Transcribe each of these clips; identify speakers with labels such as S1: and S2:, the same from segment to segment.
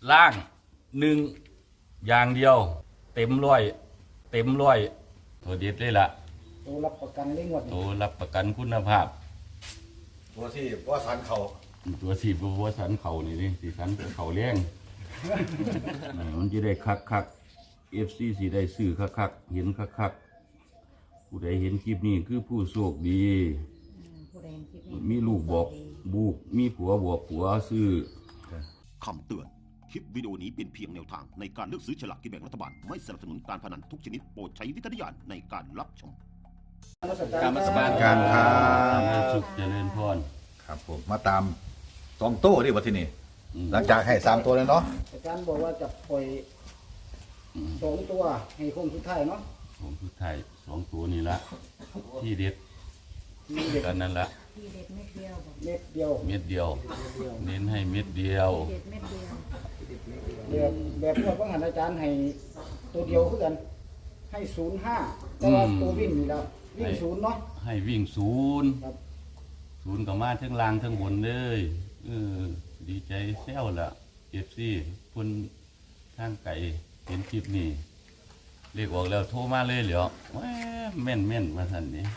S1: ล่างหนึ่งอย่างเดียวเต็มร้อยตัวเด็ดเลยล่ะ
S2: ตัวรับประกันเลยงวด
S1: ตั
S2: นี้
S1: วรับประกันคุณภาพ
S3: ตัวที่ว่าสันเขา
S1: ตัวสีบัวสันเข่านี่สีสันเข่าเลี้ยง มันจะได้คักFC สีได้ซื้อคักเห็นคักผู้ใดเห็นคลิปนี้คือผู้โชคดี
S4: ผู้ใดเห็นคลิปนี้
S1: มีลูกบอกบุกมีผัวบอกผัวซื้อ
S5: คำเตือน คลิปวิดีโอนี้เป็นเพียงแนวทางในการเลือกซื้อฉลากกินแบ่งรัฐบาล ไม่สนับสนุนการพนันทุกชนิดโปรดใช้วิจารณญาณในการรับชม
S3: การมาสบานการครับ
S1: สุขเจริญพร
S3: ครับผมมาตาม2โต้ที่วัดที่นี่
S1: อืม
S3: หลังจากให้3ตัวแล้วเนาะ
S2: อาจารย์บอกว่าจะปล่อย2ตัวให้คงสุดท้ายเนาะ
S1: ผมคือไทย2ตัวนี่ละที่เด็ด
S2: มีเด็ก
S1: กันนั่นละ
S4: ที่เด็ดเม็ดเดียวบอก
S2: เม็ดเดียว
S1: เม็ดเดียว เน้นให้เม็ดเดียว
S4: เด็ดเม็ดเดียว
S2: แบบงวดของหันอาจารย์ให้ตัวเดียวคือกัน ให้05แต่ว่าตัววิ่งนี่แล้ววิ่ง0เนาะ
S1: ให้วิ่งศูนย์
S2: ครับ
S1: ศูนย์ก็มาทั้งล่างทั้งบนเลยดีใจแซวละFC คนทางไก่เห็นคลิปนี้เรียกออกแล้วโทรมาเลยเหรอแหม่แม่นมาสั่นนี้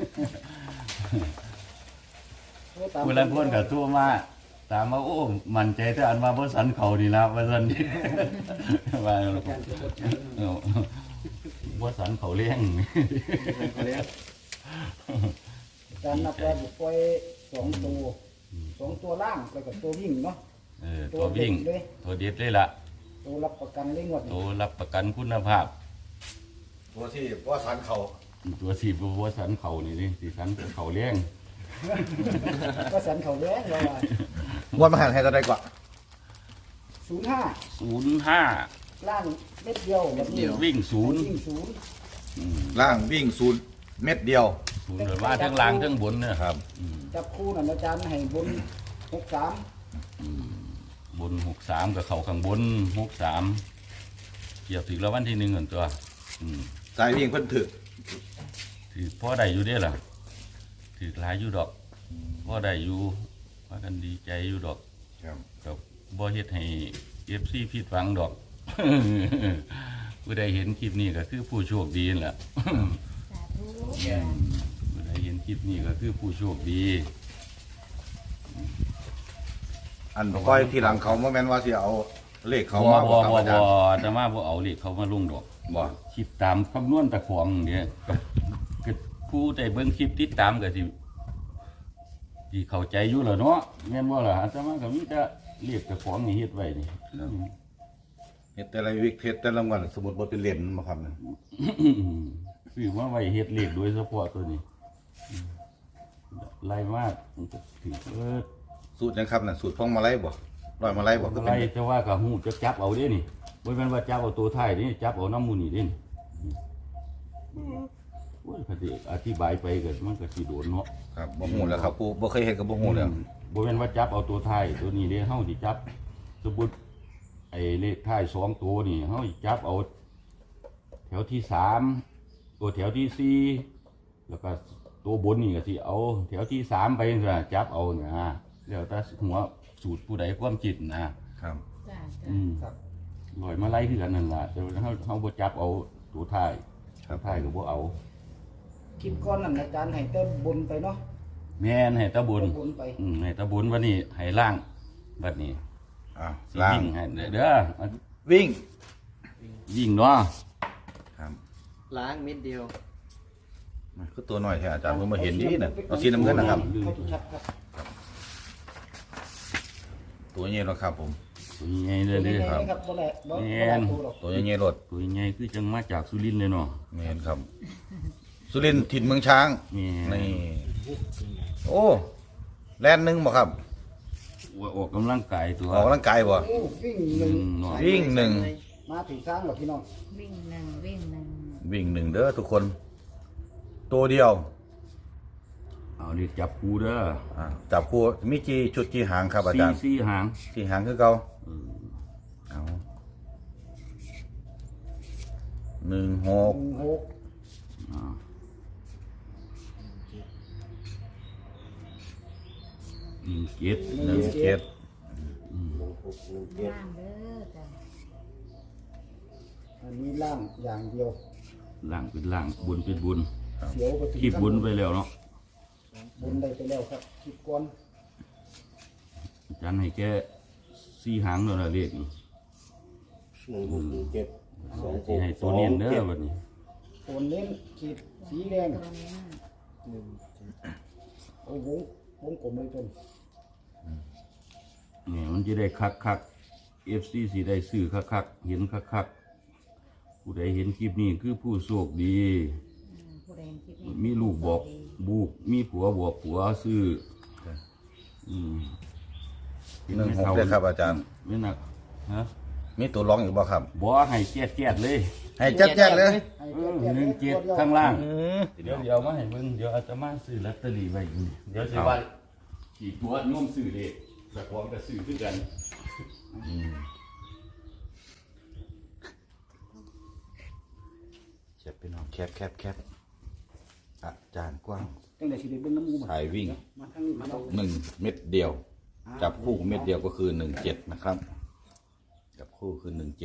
S1: ผู้ละคนกับตัวมาตามมาโอ้มันใจแต่อันมาบ่สันเขานี่ละว่าซั่นนี่ ว่าบ่สันเขาเลี้ยง
S2: อาจารย์นับว่าจะปล่อย2ตัว2ตัวล่างแล้วก็ตัววิ่งเนาะ
S1: ตัววิ่ง
S2: ตัวเด็ดเลย
S1: ตัวเด็ดเลยล่ะ
S2: ตัวรับประกันเลยงวด
S1: ตั
S2: นี้
S1: วรับประกันคุณภาพ
S3: ตัวที่ว่าสันเขา
S1: ตัวสีบ่สันเขานี่สิสันเขาเลี้ยง
S2: ก็สันเขาแย้งเราว่า
S3: งวดมาหันให้ตัวใดกว่า
S2: 05
S1: 05
S2: ล่างเม็ดเดียวแบบนี้
S1: วิ่งศูนย์
S2: วิ่งศูนย์
S3: ล่างวิ่ง0เม็ดเดียว
S1: ศูนย์เลยว่าทั้งล่างทั้งบนเนี่ย
S3: ครับ
S2: จับคู่นั่นอาจารย์ให้บน63
S1: บน63กับเขาข้างบน63เกี่ยวถึงแล้ววันที่1เหมือนตัวอืม
S3: สายวิ่งเพิ่นถึก
S1: ถือพ่อได้อยู่เด้ล่ะถือหลายอยู่ดอกพ่อได้อยู่ว่ากันดีใจอยู่ดอก
S3: ครับ
S1: กับบ่เฮ็ดให้ FC ผิดหวังดอก ผู้ใดเห็นคลิปนี้ก็คือผู้โชคดีนั่นแหละ
S4: สาธุ
S1: ผู้ใดเห็นคลิปนี้ก็คือผู้โชคดี
S3: อันก้อยที่หลังเขาบ่แม่นว่าสิเอาเลขเขา
S1: บ่
S3: มา
S1: บ่
S3: ครับ
S1: บ่
S3: อาจารย์
S1: แต่มาบ่เอาเลขเขามาลงดอก
S3: บ่
S1: คิดตามคำนวณตะของเนี่ยก็ผู้ใดเบิ่งคลิปติดตามก็สิเข้าใจอยู่แล้วเนาะแม่นบ่ล่ะอาตมาก็มีแต่เรียกตะของนี่เฮ็ดไว้นี่
S3: เฮ็ดแต่ละวิกเฮ็ดแต่ละวันสมมุติบ่เป็นเหรียญมาครับเนี่ย
S1: ซื้อมาไว้เฮ็ดเลขโดยเฉพาะตัวนี้ไล่มากมันก็ถือ
S3: สูตรนะครับน่ะสูตรพองมาลัยบ่ร้อยมาลัยบ่ก็เป็น
S1: ไล่จะว่าก็ฮู้จะจับเอาเด้นี่บ่แม่นว่าจับเอาตัวท้ายนี่จับเอาน้ำมูนี่เด้นี่โอ้ยก็สิอธิบายไปก็มันก็สิโดนเนาะ
S3: ครับบ่ฮู้แล้วครับผู้บ่เคยเฮ็ดก็บ่ฮู้แล้ว
S1: บ่แม่นว่าจับเอาตัวท้ายตัวนี้เด้เฮาสิจับสมมุติไอ้เลขท้าย2ตัวนี่เฮาสิจับเอาแถวที่3ตัวแถวที่4แล้วก็ตัวบนนี่ก็สิเอาแถวที่3ไปจังซี่จับเอานะแล้วแต่หัวสูตรผู้ใดความคิดนะครับ
S4: จ้า
S1: อืมลอยมาไล่คือกันนั่นล่ะแต่ว่าเฮาบ่จับเอาตัวท้ายตัวท้ายก็บ่เอา
S2: คลิปก้อนนั่นอาจารย์ให้แต่บนไปเนาะ
S1: แม่นให้ตะบุญ
S2: บนไป
S1: ให้ตะบุญวันนี้ให้ล่างบัดนี้ สิ
S3: ล่าง
S1: วิ่งให้เด้อ
S3: วิ่ง
S1: วิ่งเนาะ
S3: ครับ
S6: ล้างเม็ดเดียว
S3: คือตัวน้อยแท้อาจารย์เพิ่งมาเห็นดีน่ะเอาสีน้ำเงินนะครับ
S2: ให้ชัดครับ
S3: ตัวใหญ่แล้วครับผม
S1: ตัวใหญ่เล
S2: ตัวย นี้
S1: เด้อ
S2: ไงครับบ่แหละบ่
S1: แม่
S2: บ่
S1: น
S2: ตัวหรอก
S3: ตัวใหญ่ๆรถ
S1: ตัวใหญ่คือจังมาจากสุรินทร์เลยเนาะ
S3: แม่นครับ สุรินทร์ถิ่นเมืองช้าง
S1: แม่น
S3: นี่โอ้แล่นหนึงบ่ครับ
S1: ออกกำลังกายตัว
S3: ออกกำลังกายบ่
S2: โอ้วิ่งหนึ่ง
S1: เนาะ
S3: วิ่งหนึ่ง
S2: มาถึงทางแล้วพี่น้อง
S4: วิ่งหนึ่งวิ่งหนึ่ง
S3: วิ่งหนึ่งเด้อทุกคน ตัวเดียว
S1: เอาเรียกจับคูเด้อ
S3: จับคู่มีกี่ชุดกี่หางครับอาจารย์
S1: สี่หาง
S3: กี่หางคือเก่าเอา16
S2: 16
S1: อ่า17
S3: 17
S4: ล่างเด้อจ้ะ
S2: อันนี้ล่างอย่างเดียว
S1: ล่างเป็นล่างบุญเป็นบุญ
S2: เสียวไปถึง
S1: ขีบบุญไปแล้วเนาะ
S2: บุญได้ไปแล้วครับคิดก่อน
S1: อาจารย์ให้แก4 หางแล้วนะเลขนี่
S3: 1617
S1: สิให้ตัวเนียนเด้อบัดนี้
S2: โอนเน้นขีดสีแดง
S4: ตัวนี้
S2: โอ้โหวงกลมเลยจน
S1: นี่มันจะได้คักๆ FC สิได้ซื้อคักๆเห็นคักๆผู้ใดเห็นคลิปนี้คือผู้โชคดี
S4: ผู้ใดคิด
S1: มีลูกบอกบุกมีผัวบอกผัวซื้อ
S3: 16ได้ครับอาจารย์
S1: ไม่หนักฮะ
S3: มีตัวร้องอีกบ่ครับ
S1: บ่ให้แจ๊ดๆเลย
S3: ให้แจ๊ดๆเลย
S2: ให้
S1: 17ข้างล่างเดี๋ยวมาให้เบิ่งเดี๋ยวอาตมาซื้อลอตเตอรี่ไว้อยู่นี่เดี๋ยวสิว่าขี่ตัวโน้มซื้อเลขสักของก็ซื้อคือกัน
S3: แคปพี่น้องแคปอาจารย์กว้าง
S2: ตั้งแต่สิได้เบิ่งน้ำมูก
S3: สายวิ่ง
S2: มาทางนี้มาเอา
S3: 1 เม็ดเดียว จับคู่เม็ดเดียวก็คือ17นะครับจับคู่คือ17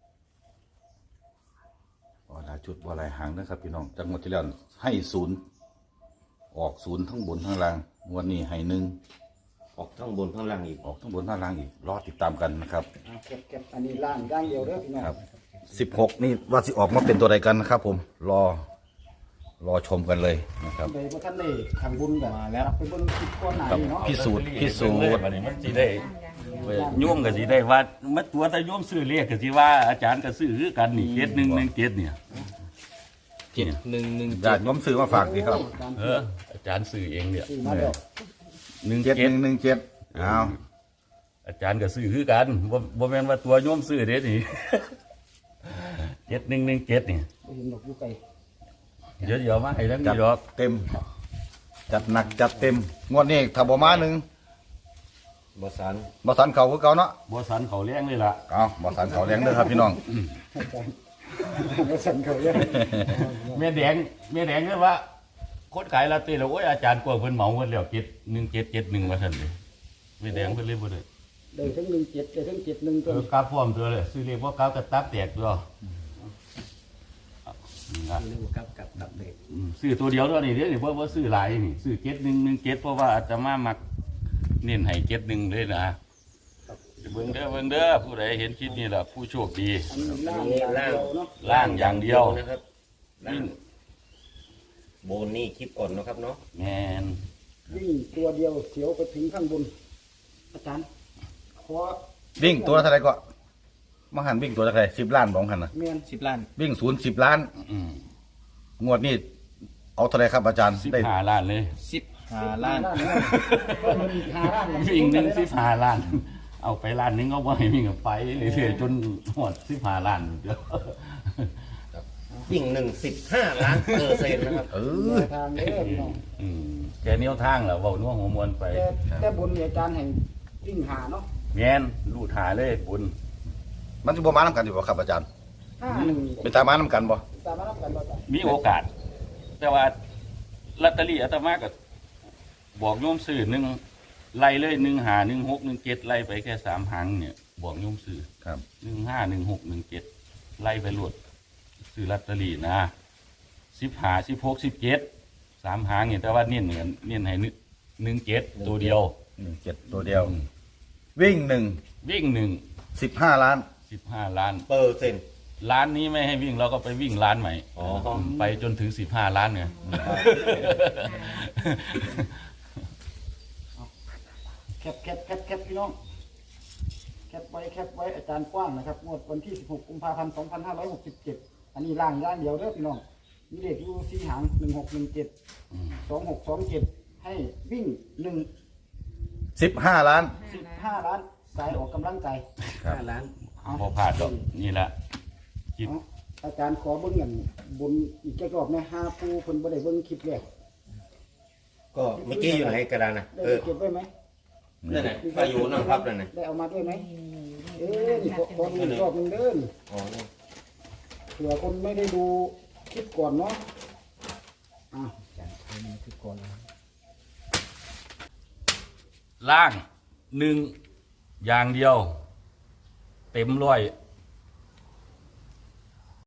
S3: บ่หลายชุดบ่หลายหางนะครับพี่น้องจังหวัดที่แล้วให้0ออก0ทั้งบนทั้งล่างงวดนี้ให้1
S6: ออกทั้งบนทั้งล่างอีก
S3: ออกทั้งบนทั้งล่างอีกรอติดตามกันนะครับ
S2: เก็บอันนี้ล่างอย่างเดียวเด้อพี่น้อง
S3: ครับ16นี่ว่าสิออกมาเป็นตัวใดกันนะครับผมรอชมกันเลยนะครับ
S2: โดยพระท่านได้ทางบุญกันมาแล้วไปเบิ่งคลิปก่อนหน้า
S3: ครับ
S2: นี้เนาะ
S3: พิสูจน์
S1: บัดนี้มันสิได้โยมก็สิได้ว่ามันตัวถ้าโยมซื้อเลขก็สิว่าอาจารย์ก็ซื้อคือกันนี่7117เนี่ย
S6: 7117
S3: ญาติโยมซื้อมาฝากดีครับ
S1: อาจารย์ซื้อเองเนี่ย
S2: ซื้อมาแล้ว
S3: 7117เอา
S1: อาจารย์ก็ซื้อคือกันบ่แม่นว่าตัวโยมซื้อเด้นี่ 7117นี่
S2: บ่เห็นดอกอยู่ไกล
S1: เดี๋ยวมาให้ทั้ง
S3: จั
S1: นี้
S3: ด
S1: ดอก
S3: เต็ม จัดหนักจัดเต็มงวดนี้ถ้าบ่มาหนึ่ง
S6: บ่สัน
S3: บ่สันเขาคือเก่าเนาะ
S1: บ่สันเขาแรงเลยล่ะ
S3: เอาบ่สันเขาแรงเด้อครับพี่น้อง
S2: มาสั่นเขาเนี่ย
S1: แม่แดงก็ว่าคนขายลอตเตอรี่แล้วโอ้ยอาจารย์กลัวเพิ่นเหมาเพิ่นแล้ว1771ว่าซั่นเลยแม่แดงเพิ่นเลยบ่ได้
S2: ได้ทั้ง17ได้ทั้ง71ตัว
S1: กราฟพร้อมตัวเลยซื้อเลขบ่กราฟก็ตับแตกตัวนะ
S6: เรื่องกับดับเด็ก
S1: ซื้อตัวเดียวเท่านี้เด้อนี่บ่ซื้อหลายนี่ซื้อ7117เพราะว่าอาตมามักเน้นให้71เลยนะเบิ่งเด้อผู้ใดเห็นคลิปนี้ล่ะผู้โชคดี
S2: อันนี้ล่างอย่างเดียวเนาะ
S1: ล่างอย่างเดียว
S6: นะครับล่างโบนนี่คลิปก่อนเนาะครับเนาะ
S1: แม่น
S2: วิ่งตัวเดียวเสียวไปถึงข้างบน อาจารย์ขอ
S3: วิ่งตัวเท่าไหร่ก็มาหันวิ่งตัวเท่าไหร่10 ล้านบ่หันน่ะ
S2: แม่น
S6: 10 ล้าน
S3: วิ่ง0 10 ล้าน
S1: อืม
S3: งวดนี้เอาเท่าไหร่ครับอาจารย์ได้
S1: 15ล้านเลย
S6: 15 ล้าน
S2: ก็มันอีก5ล้าน
S1: วิ่งหนึ่ง15ล้าน เอาไปล้านหนึงก็บ่ให้วิ่งกับไปเรื่อยๆจนหมด15ล้านเดียว
S6: วิ่ง15 ล้านเปอร์เซ็นต์นะครับ
S2: ทางเด้อพี่น้อง
S1: แกนิ้วทางเหรอเว้านัวหัวมวนไป
S2: แต่บุญเนี่ยอาจารย์ให้วิ่งหาเนาะ
S1: แม่นลูดหาเลยบุญ
S3: มันสิบ่มานํกันอยู่บ่ครับอาจารย์
S2: 51
S3: เป็นตามานํกันบ่
S2: ตามมารับกันบ่จ้ะ
S1: มีโอกาส แต่ว่าลอตเตอรี่อาตมาก็บอกโยมซื้อหนึ่งไล่เลย1 5 1 6 1 7ไล่ไปแค่3หางเนี่ยบอกโยมซื้อ
S3: ครับ
S1: 1 5 1 6 1 7ไล่ไปรวดซื้อลอตเตอรี่นะ15 16 17 3หางเนี่ยแต่ว่าเน้นเหมือนเน้นให้17ตัวเดียว
S3: 17ตัวเดียว วิ่ง
S1: วิ่ง
S3: 1
S1: 1
S3: 15 ล้าน
S1: 15 ล้าน
S6: เปอร์เซ็นต์
S1: ล้านนี้ไม่ให้วิ่งเราก็ไปวิ่งล้านใหม่
S6: อ๋อ
S1: ไปจนถึง15 ล้านไง
S2: แคปพี่น้องแคปไว้อาจารย์กว้างนะครับงวดวันที่16กุมภาพันธ์2567อันนี้ล่างย่างเดียวเด้อพี่น้องมีเลขอยู่4หาง1617 2627ให้วิ่ง
S3: 15 ล้าน
S2: 15ล้านสายออกกำลังกาย
S6: 5 ล้าน
S2: เอา
S1: พอผ่านดอกนี่แหละคลิป
S2: เอาอาจารย์ขอเบิ่งกันบนอีกแค่รอบนะ5ผู้เพิ่นบ่ได้เบิ่งคลิปแรก
S6: ก็เมื่อกี้อยู่ไหนกระดานนะ
S2: ได้เก็บไว้ไหม
S6: นั่นน่ะไปอยู่นั่งพับนั่นน่ะ
S2: ได้เอามาด้วยไหมนี่ขอดูอีกรอบหนึงเด้อ
S6: อ๋อนี่
S2: เผื่อคนไม่ได้ดูคลิปก่อนเนาะอ่ะอาจารย์ดูคลิปก่อนนะ
S1: ล่าง1อย่างเดียวเต็มร้อย